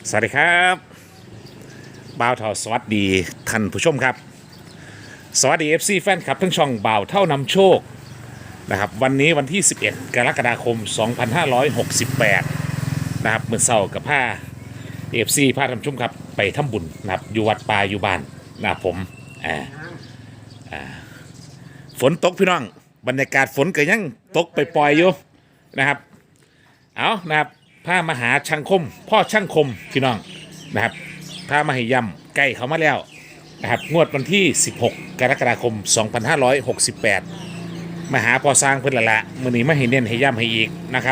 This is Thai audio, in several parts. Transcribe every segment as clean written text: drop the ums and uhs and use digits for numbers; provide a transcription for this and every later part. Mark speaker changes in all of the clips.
Speaker 1: สวัสดีครับบ่าวเท่าสวัสดีท่านผู้ชมครับสวัสดี FC แฟนคลับทั้งช่องบ่าวเท่านำโชคนะครับวันนี้วันที่ 11 กรกฎาคม 2568นะครับเมื่อเช้ากับผ้า FC พาท่านผู้ชมครับไปทำบุญนะครับอยู่วัดป่าอยู่บ้านนะครับผมฝนตกพี่น้องบรรยากาศฝนก็ยังตกไปปล่อยๆอยู่นะครับเอานะครับพามาหาช่างคมพ่อช่างคมพี่น้องนะครับพามาให้ย่ำใกล้เขามาแล้วนะครับงวดวันที่ 16 กรกฎาคม 2568มาหาพอสร้างเพื่อนละมื้อนี้มาให้เน้นให้ย่ำให้อีกนะครับ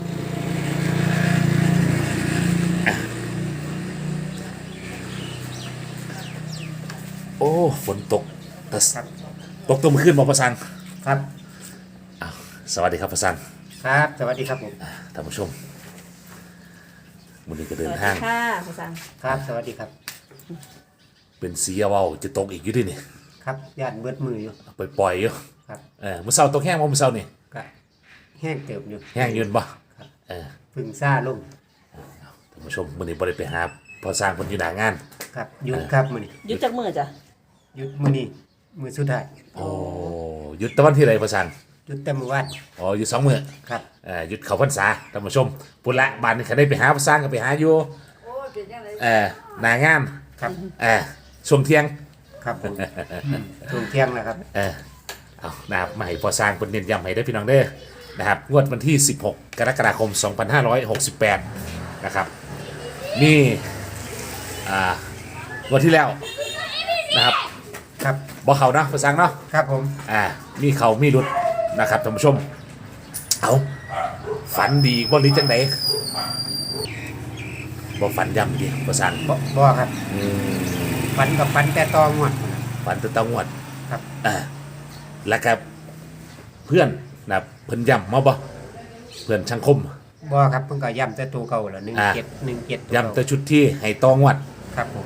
Speaker 1: โอ้ฝนตกตกตัวมาขึ้นมาพอสร้าง
Speaker 2: ครับ
Speaker 1: สวัสดีครับพอสร้าง
Speaker 2: ครับสวัสดีครับผม
Speaker 1: ท่านผู้ชมมื้อนี้ก็เดินทาง
Speaker 3: ค่ะภาษา
Speaker 2: ครับสวัสดีครับ
Speaker 1: เป็นสีเว้าจะตกอีกอยู่ดินี่
Speaker 2: ครับย่านเบิดมืออยู่
Speaker 1: ไปปล่อยอยู่
Speaker 2: ครับ
Speaker 1: มื้อเช้าตกแห้งบ่มื้อเช้านี่
Speaker 2: ก็แห้งเติบอยู่
Speaker 1: แห้งยืนบ่
Speaker 2: ครับ
Speaker 1: เออ
Speaker 2: พึ่งซ่าลง
Speaker 1: ท่านผู้ชมมื้อนี้บ่ได้ไปหาพอสร้างเพิ่นอยู่หน้างาน
Speaker 2: ครับหยุดครับมื้อนี้
Speaker 3: ยุดจากมือจ้ะ
Speaker 2: หยุดมื้อนี้มื้อสุดท้าย
Speaker 1: โอ้หยุดแตะวันที่ไรพอสร้าง
Speaker 2: หยุดแต่มื้อวาน
Speaker 1: อ๋อหยุด2มื้อ
Speaker 2: ครับ
Speaker 1: หยุดเข้าพรรษาท่านผู้ชมพุ่นละบ้านนี้คันได้ไปหาพอสร้างก็ไปหาอยู่หน้างาน
Speaker 2: ครับ
Speaker 1: ช่วงเที่ยง
Speaker 2: ครับผมช่วงเที่ยงแล้วครับ
Speaker 1: เอานะครับมาให้พอสร้างเพิ่นเน้นย้ำให้ได้อพี่น้องเด้อนะครับงวดวันที่ 16 กรกฎาคม 2568นะครับนี่งวดที่แล้วนะครับ
Speaker 2: ครับ
Speaker 1: บ่เข้าเนาะพอสร้างเนาะ
Speaker 2: ครับผม
Speaker 1: มีเขามีรุดนะครับท่านผู้ชมเอาฝันดีบ่หรือจังไดบ่ฝันย้ำดีพอสร้าง
Speaker 2: บ่ครับฝันกับฝันแต่ตองวด
Speaker 1: ฝันแตะต้องงวด
Speaker 2: ครับ
Speaker 1: แล้วก็เพื่อนนะครับเพิ่นย้ำมาบ่เพื่อนช่างคม
Speaker 2: บ่ครับเพิ่นก็ย้ำแต่ตัวเก่าแล้ว17
Speaker 1: ย้ำแต่ชุดที่ให้ตองวด
Speaker 2: ครับผม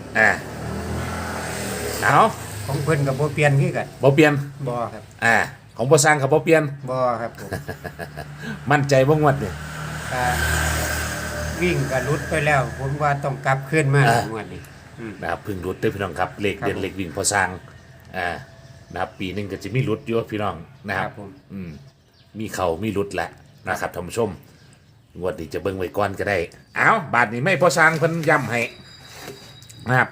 Speaker 1: เอา
Speaker 2: ของเพิ่นก็บ่เปลี่ยนคือกัน
Speaker 1: บ่เปลี่ยน
Speaker 2: บ่ครับ
Speaker 1: ของบ่สร้างกับบ่เปลี่ยน
Speaker 2: บ่ครับผม
Speaker 1: มั่นใจบ่งวดนี่
Speaker 2: ก็วิ่งก็หลุดไปแล้ว ผมว่าต้องกลับขึ้นมา
Speaker 1: อ่า
Speaker 2: งวดนี้
Speaker 1: นะครับเพึ่งรุดเด้อพี่น้องครับเลขเด่น
Speaker 2: ครับผม
Speaker 1: เลขวิ่งพอสร้างนะครับปีหนึงก็จะมีรุดอยู่พี่น้องนะค
Speaker 2: ค
Speaker 1: รั
Speaker 2: รั
Speaker 1: บบ
Speaker 2: ผม
Speaker 1: มีเขามีรุดแหละนะครับท่านผู้ชมงวดนี้จะเบิ่งไว้ก่อนก็ได้เอาบาทนี้ไม่พอสร้างเพิ่นย้ำให้นะครับ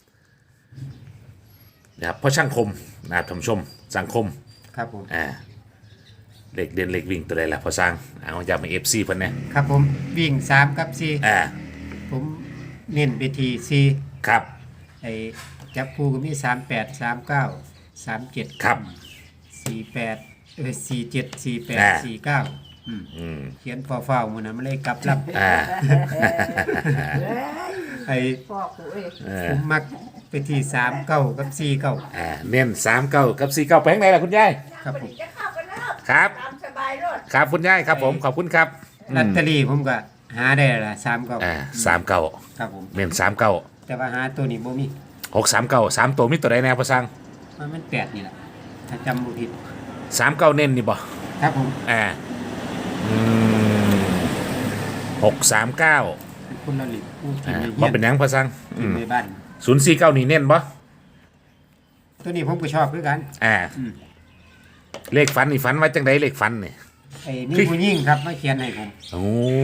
Speaker 1: เพราะช่างคมนะครับท่านผู้ชมสังคม
Speaker 2: ครับผม
Speaker 1: เลขเด่นเลขวิ่งตัวใดล่ะพอสร้างเอาย้ำให้ FC เพิ่นเนี่ย
Speaker 2: ครับผมวิ่ง3กับ
Speaker 1: อ่า
Speaker 2: 4ผมเน้นไปที่4
Speaker 1: ครับ
Speaker 2: ไอ้จับคู่ก็มี38 39 37
Speaker 1: ครับ
Speaker 2: 4847
Speaker 1: อ่า
Speaker 2: 48 49เขียนฟาวๆมื้อนั้นมันเลยกลับลับ ไอ้
Speaker 3: พ่อกูเอ้ย
Speaker 2: ผมมักไปที่39กับ49
Speaker 1: เน้น39กับ49ไปทางไหนล่ะคุณยาย
Speaker 2: ครับผม
Speaker 3: จะเข้ากันแล้ว
Speaker 1: ครับ
Speaker 3: ตามสบายรถ
Speaker 1: ครับคุณยายครับผมขอบคุณครับ
Speaker 2: ลอตเตอรี่ผมก็หาได้ละ39
Speaker 1: 39
Speaker 2: ครับผม
Speaker 1: เน้น39
Speaker 2: แต่ว่าหาตัวนี้บ่มี
Speaker 1: 639 3ตัวมีตัวใดแน่พอสร้าง
Speaker 2: มัน8นี่แหละถ้าจำบ่ผิด
Speaker 1: 39เน้นนี่บ่
Speaker 2: ครับผม
Speaker 1: 639
Speaker 2: คุณละลิตผู้กินใน
Speaker 1: บ่
Speaker 2: เฮียน
Speaker 1: เป็นหยังพอสร้าง
Speaker 2: กินในบ้าน
Speaker 1: 049นี่เน้นบ่
Speaker 2: ตัวนี้ผมก็ชอบคือกัน
Speaker 1: เลขฝันนี่ฝันไว้จังไดเลขฝันนี่
Speaker 2: ไอ้มีผู้หญิงครับมาเขียนให้ผม
Speaker 1: โอ้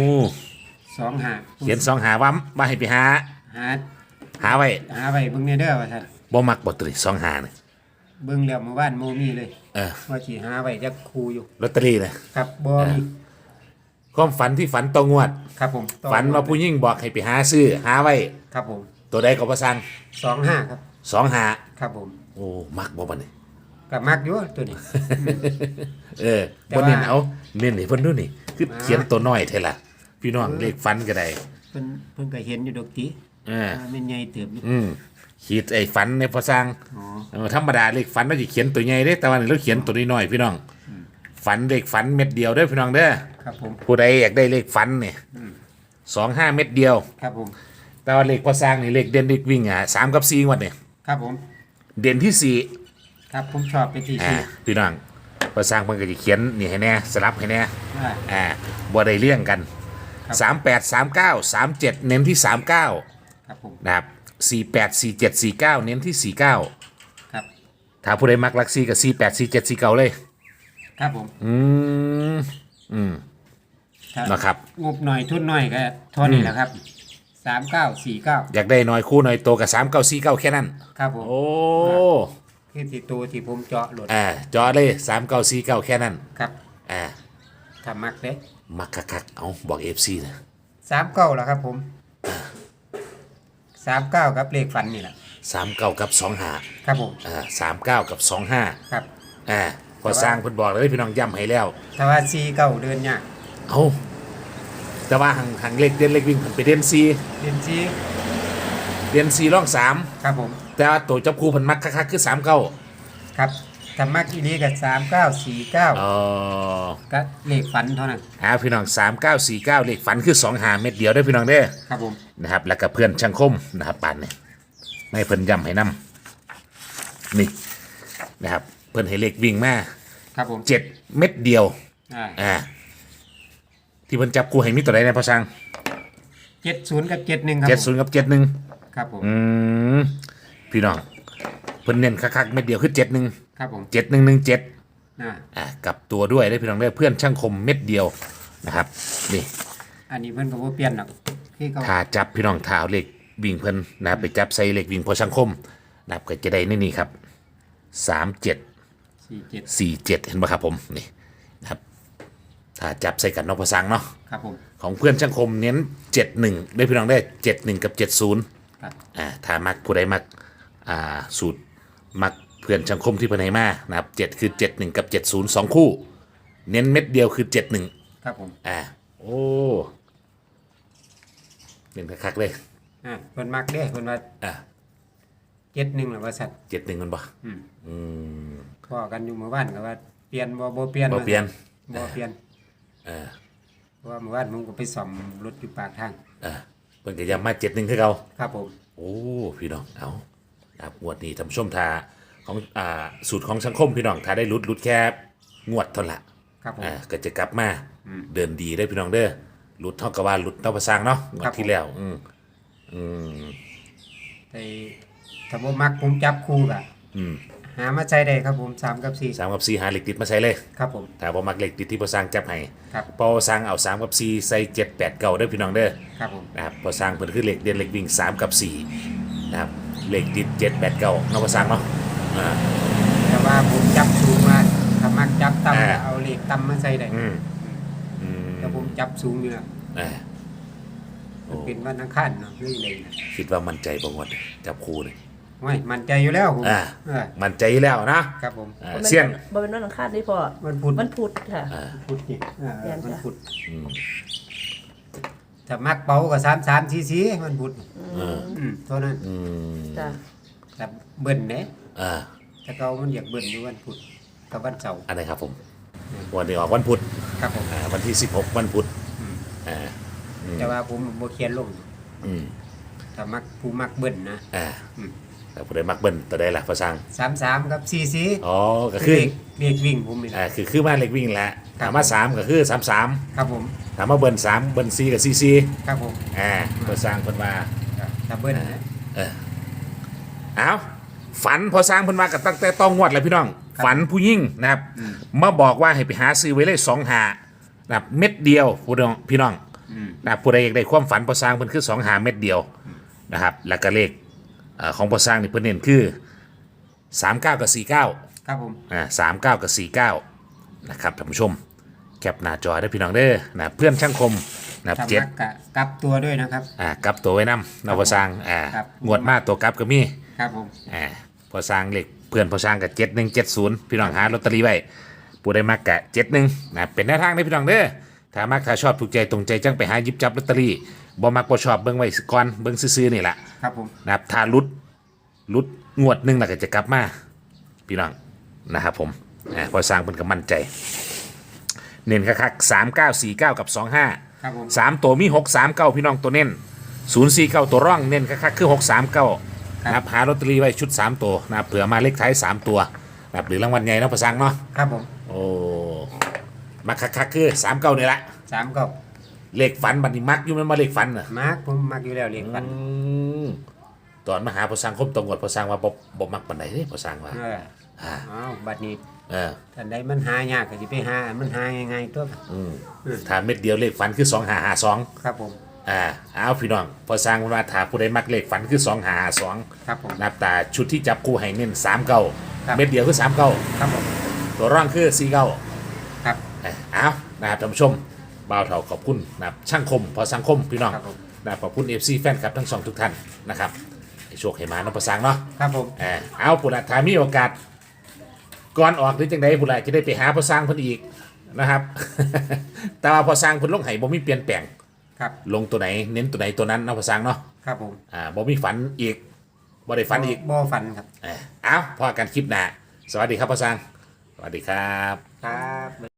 Speaker 2: 25
Speaker 1: เขียน2หาว่าให้ไปหา
Speaker 2: หา
Speaker 1: หาไว้
Speaker 2: หาไว้เบิ่งในเด้อว่าซั่น
Speaker 1: บ่มักบ่ตรี2หานี่
Speaker 2: เบิ่งแล้วเมื่อวานบ่มีเลยว่าสิหาไว้จักคู่อยู่
Speaker 1: ลอตเตอรี่น่ะ
Speaker 2: ครับบ่มี
Speaker 1: ความฝันที่ฝันตรงวด
Speaker 2: ครับผม
Speaker 1: ฝันว่าผู้หญิงบอกให้ไปหาซื้อหาไว้
Speaker 2: ครับผม
Speaker 1: ตัวใดก็บ่สั่ง
Speaker 2: 25ครับ
Speaker 1: 2หา
Speaker 2: ครับผม
Speaker 1: โอ้มักบ่บัดนี้
Speaker 2: ก็มักอยู่ตัวนี้ แต่
Speaker 1: บ่
Speaker 2: ว่า
Speaker 1: เน้นเอาเน้นให้เพิ่นดูนี่คือเขียนตัวน้อยเท่าล่ะพี่น้องเลขฝันก็ได้
Speaker 2: เพิ่นก็เห็นอยู่ดอกติ ว่ามันใหญ่เติบอยู่
Speaker 1: ขีดไอ้ฝันในพอสร้าง
Speaker 2: อ๋อ
Speaker 1: ธรรมดาเลขฝันเราจะเขียนตัวใหญ่เด้แต่ว่านี่เราเขียนตัวน้อยๆพี่น้องฝันเลขฝันเม็ดเดียวเด้อพี่น้องเด้อ
Speaker 2: ครับผม
Speaker 1: ผู้ใดอยากได้เลขฝันเนี่ย25 เม็ดเดียว
Speaker 2: ครับผม
Speaker 1: แต่ว่าเลขพอสร้างนี่เลขเด่นเลขวิ่ง3กับ4งวดเนี่ย
Speaker 2: ครับผม
Speaker 1: เด่นที่
Speaker 2: ครับผมชอบไปที่
Speaker 1: 4
Speaker 2: สี่
Speaker 1: พี่น้องพอสร้างเพิ่นก็จะเขียนนี่ให้แน่สลับให้แน่
Speaker 2: อ่า
Speaker 1: บ่ได้เลี่ยงกัน
Speaker 2: ครับ
Speaker 1: 38 39 37 เน้นที่ 39
Speaker 2: ครับผม
Speaker 1: นะครับ48 47 49เน้นที่49
Speaker 2: ครับ
Speaker 1: ถ้าผู้ใดมักลักซี่กับ48 47 49เลย
Speaker 2: ครับผม
Speaker 1: อืม
Speaker 2: ถ้า
Speaker 1: นะครับ
Speaker 2: งบหน่อยทุนหน่อยก็เท่านี้แหละครับ3949
Speaker 1: อยากได้น้อยคู่น้อยโตกับ39 49แค่นั้น
Speaker 2: ครับผม
Speaker 1: โอ้
Speaker 2: คือที่ตัวที่ผมเจาะโหลด
Speaker 1: จอเลย39 49แค่นั้น
Speaker 2: ครับ
Speaker 1: อ่า
Speaker 2: ถ้ามักเด้
Speaker 1: มักคักๆเอาบอก FC นะ
Speaker 2: 39แล้วครับผม39ครับเลขฝันนี่แหละ
Speaker 1: 39กับ25
Speaker 2: ครับผม
Speaker 1: 39กับ25
Speaker 2: ครับ
Speaker 1: พอสร้างเพิ่นบอกเลยพี่น้องย้ำให้แล้ว
Speaker 2: ถ้าว่า49เดินยาก
Speaker 1: เอาแต่ว่าหังเล็กเด่นเล็กวิ่งเพิ่นไปเด่น4
Speaker 2: เดินซี
Speaker 1: เด่น4ร่อง3
Speaker 2: ครับผม
Speaker 1: แต่ว่าตัวจับคู่เพิ่นมักคักๆคือ39
Speaker 2: ครับถ้ามักอีนี้ก็3949
Speaker 1: อ๋อ
Speaker 2: ก็เลขฝันเท่านั้น
Speaker 1: พี่น้อง3949เลขฝันคือ2หาเม็ดเดียวเด้อพี่น้องเด้อ
Speaker 2: ครับผม
Speaker 1: นะครับแล้วก็เพื่อนช่างคมนะครับปานนี่ไม่เพิ่นย้ำให้นํนี่นะครับเพิ่นให้เลขวิ่งมา
Speaker 2: ครับผม
Speaker 1: 7เม็ดเดียว
Speaker 2: อ่า
Speaker 1: ที่เพิ่นจับคู่ให้มีตัวใดในพอช่าง
Speaker 2: 70กับ71ครับผม
Speaker 1: 70กับ71
Speaker 2: ครับผม
Speaker 1: พี่น้องเพิ่นเน้นคักๆเม็ดเดียวคือ71
Speaker 2: ครับผม
Speaker 1: 7117
Speaker 2: อ่า
Speaker 1: กับตัวด้วยได้อพี่น้องได้อเพื่อนช่างคมเม็ดเดียวนะครับนี่
Speaker 2: อันนี้เพิ่นก็บ่เปลี่ยนหรอกคือเขา
Speaker 1: ถ้าจับพี่น้องถ้าเอาเลขวิ่งเพิ่นนะครับไปจับใส่เลขวิ่งพอช่างคมนะครับก็จะได้ในนี่ครับ37
Speaker 2: 47
Speaker 1: 47เห็นไหมครับผมนี่นะครับถ้าจับใส่กันเนอกภาษาเนาะ
Speaker 2: ครับผม
Speaker 1: ของเพื่อนช่างคมเน้น71ได้พี่น้องได้71กับ70
Speaker 2: ครับ
Speaker 1: ถ้ามักผู้ใดมักสูตรมักเพื่อนช่างคมที่เพิ่นให้มานะครับ7คือ71กับ70 2คู่เน้นเม็ดเดียวคือ71
Speaker 2: ครับผม
Speaker 1: โอ้เน้นคักๆเลย
Speaker 2: เพิ่นมักเด้เพิ่นว่า71ล่ะว่าซั่น
Speaker 1: 71มันบ่
Speaker 2: พอกันอยู่เมื่อวานก็ว่าเปลี่ยนบ่เปลี่ยน
Speaker 1: บ่เปลี่ยน
Speaker 2: บ่เปลี่ยนเพราะว่าเมื่อวานผมก็ไปซ่อมรถอยู่ปากทาง
Speaker 1: เพิ่นก็ย้ำมา71คือเก่า
Speaker 2: ครับผม
Speaker 1: โอ้พี่น้องเอาครับงวดนี้ท่านผู้ชมทาของสูตรของสังคมพี่น้องถ้าได้ลุดแค่งวดเท่านั้นละ
Speaker 2: ครับผม
Speaker 1: ก็จะกลับมาเดินดีได้พี่น้องเด้อลุดเท่ากับว่าลุดเท่าภาษาเนาะงวดที่แล้ว
Speaker 2: แต่ถ้าบ่มักผมจับคู่ก็หามาใช้ได้ครับผม3กับ4
Speaker 1: 3กับ4หาเหล็กติดมาใส่เลย
Speaker 2: ครับผม
Speaker 1: ถ้าบ่มักเหล็กติดที่ภาษาจับให้
Speaker 2: ครับ
Speaker 1: พอภาษาเอา3กับ4ใส่7 8 9เด้อพี่น้องเด้อ
Speaker 2: ครับผม
Speaker 1: นะครับภาษาเพิ่นคือเหล็กเด่นเหล็กวิ่ง3กับ4นะครับเหล็กติด7 8 9เนาะภาษาเนาะ
Speaker 2: แต่ว่าผมจับสูงมาถ้ามักจับต่ำก็เอาเลขต่ำมาใส่ได้แต่ผมจับสูงอยู่แล้ว มันเป็นวันอังคารเนาะเรื่องเลยนะ
Speaker 1: คิดว่ามั่นใจบ่งวดจับคู่นี่
Speaker 2: ไม่มั่นใจอยู่แล้วผม
Speaker 1: มั่นใจอยู่แล้วนะครับ
Speaker 2: ผม
Speaker 1: เสี้ยน
Speaker 3: บ่เป็นวันอังคารนี่พ่อ
Speaker 2: วันพุธ
Speaker 3: วันพุธค่ะ
Speaker 2: พุธนี่
Speaker 3: แม่นจ้ะ
Speaker 2: วันพุธถ้ามักเป๋าก็33 44วันพุธเท่านั้น
Speaker 3: จ้ะ
Speaker 2: แต่เบิ่นเด้
Speaker 1: อ่า
Speaker 2: แต่เขามันอยากเบิ่นอยู่วันพุธกับวันเสาร์
Speaker 1: อันไหนครับผมวันนี้ออกวันพุธ
Speaker 2: ครับผม
Speaker 1: วันที่16วันพุธอ่า
Speaker 2: แต่ว่าผมบ่เขียนลง
Speaker 1: อืม
Speaker 2: ถ้ามักผู้มักเบิ่นนะ
Speaker 1: แต่ผู้ใดมักเบิ้ลตัวใดล่ะภาษา
Speaker 2: 33กับ44
Speaker 1: อ๋อก็คือ
Speaker 2: เลขวิ่งผมนี่แหละ
Speaker 1: คือมาเล็กวิ่งแหละถามมา3ก็คือ33
Speaker 2: ครับผม
Speaker 1: ถามมาเบิ้ล3เบิ้ล4กับ44
Speaker 2: ครับผม
Speaker 1: ภาษาเพิ่นว่า
Speaker 2: ถ้าเบิ่นนะ
Speaker 1: เอาฝันพอสร้างเพิ่นว่ากันตั้งแต่ต้องงวดแล้วพี่น้อง ฝันผู้ยิ่งนะครับมาบอกว่าให้ไปหาซื้อไว้เลย2หานะครับเม็ดเดียวพี่น้องนะครับผู้ใดอยากได้ความฝันพอสร้างเพิ่นคือ2หาเม็ดเดียวนะครับแล้วก็เลขของพอสร้างนี่เพิ่นเน้นคือ39กับ49
Speaker 2: ครับผม
Speaker 1: 39กับ49นะครับท่านผู้ชมแคปหน้าจอได้พี่น้องเด้อนะเพื่อนช่างคมนะครับ
Speaker 2: ถ้า
Speaker 1: เจ็ด
Speaker 2: มักกะกลับตัวด้วยนะครับ
Speaker 1: กลับตัวไว้นำนพอสร้าง
Speaker 2: ครับ
Speaker 1: งวดมาตัวกลับก็มี
Speaker 2: ครับผม
Speaker 1: พอสร้างเหล็กเพื่อนพอสร้างกับ7170พี่น้องหาลอตเตอรี่ไว้ผู้ใดมักกะ71นะเป็นแนวทางได้พี่น้องเด้อถ้ามักถ้าชอบถูกใจตรงใจจังไปหาหยิบจับลอตเตอรี่บ่มักบ่ชอบเบิ่งไว้ก่อนเบิ่งซื่อๆนี่แหละ
Speaker 2: ครับผม
Speaker 1: นะครับถ้าลุดงวดหนึงแล้วก็จะกลับมาพี่น้องนะครับผมพอสร้างเพิ่นก็มั่นใจเน้นคักๆ3949กับ25
Speaker 2: ครับผม
Speaker 1: 3ตัวมี639พี่น้องตัวเน้น049ตัวร่องเน้นคักๆคือ639นะครับหาลอตเตอรี่ไว้ชุด3ตัวนะครับเผื่อมาเลขท้าย3ตัวนะครับหรือรางวัลใหญ่เนาะประสังเนาะ
Speaker 2: ครับผม
Speaker 1: โอ้มาคักๆคือ39นี่แหละ
Speaker 2: 3ก็
Speaker 1: เลขฝันบัดนี้มักอยู่มันมาเลขฝันน่ะ
Speaker 2: มักผมมักอยู่แล้วเลขฝัน
Speaker 1: ตอนมาหาพอสร้างคมตรงวดพอสร้างว่าบ่มักปานใดเด้พอสร้างว่า
Speaker 2: อ้าวบัดนี้
Speaker 1: เออ
Speaker 2: ท่านใดมันหายากก็สิไปหามันหาง่ายๆตัว
Speaker 1: ถ้าเม็ดเดียวเลขฝันคือ2552
Speaker 2: ครับผม
Speaker 1: เอาพี่น้องพอสร้างว่าถ้าผู้ใดมักเลขฝันคือ2552
Speaker 2: ครับผม
Speaker 1: นับตาชุดที่จับคู่ให้เน้น
Speaker 2: ครับ
Speaker 1: 39เม็ดเดียวคือ39
Speaker 2: ครับผม
Speaker 1: ตัวร่างคือ49
Speaker 2: ครับ
Speaker 1: เอานะครับท่านผู้ชมบ่าวเถาขอบคุณนะครับช่างคมพอสังคมพี่น้อง
Speaker 2: ครับผม
Speaker 1: นะครับขอบคุณ FC แฟนคลับทั้งสองทุกท่านนะครับให้โชคให้มาน้องประสังเนาะ
Speaker 2: ครับผม
Speaker 1: เอาปุระถามีโอกาสก่อนออกหรือจังใดปุระจะได้ไปหาพอสร้างเพิ่นอีกนะครับ แต่ว่าพอสร้างเพิ่นลงไห้บ่มีเปลี่ยนแปลง
Speaker 2: ครับ
Speaker 1: ลงตัวไหนเน้นตัวไหนตัวนั้นเนาะพอสร้างเนาะ
Speaker 2: ครับผม
Speaker 1: บ่มีฝันอีกบ่ได้ฝันอีก
Speaker 2: บ่ฝันครับ
Speaker 1: เอาพอกันคลิปหน้าสวัสดีครับพอสร้างสวัสดีครับ
Speaker 2: ครับ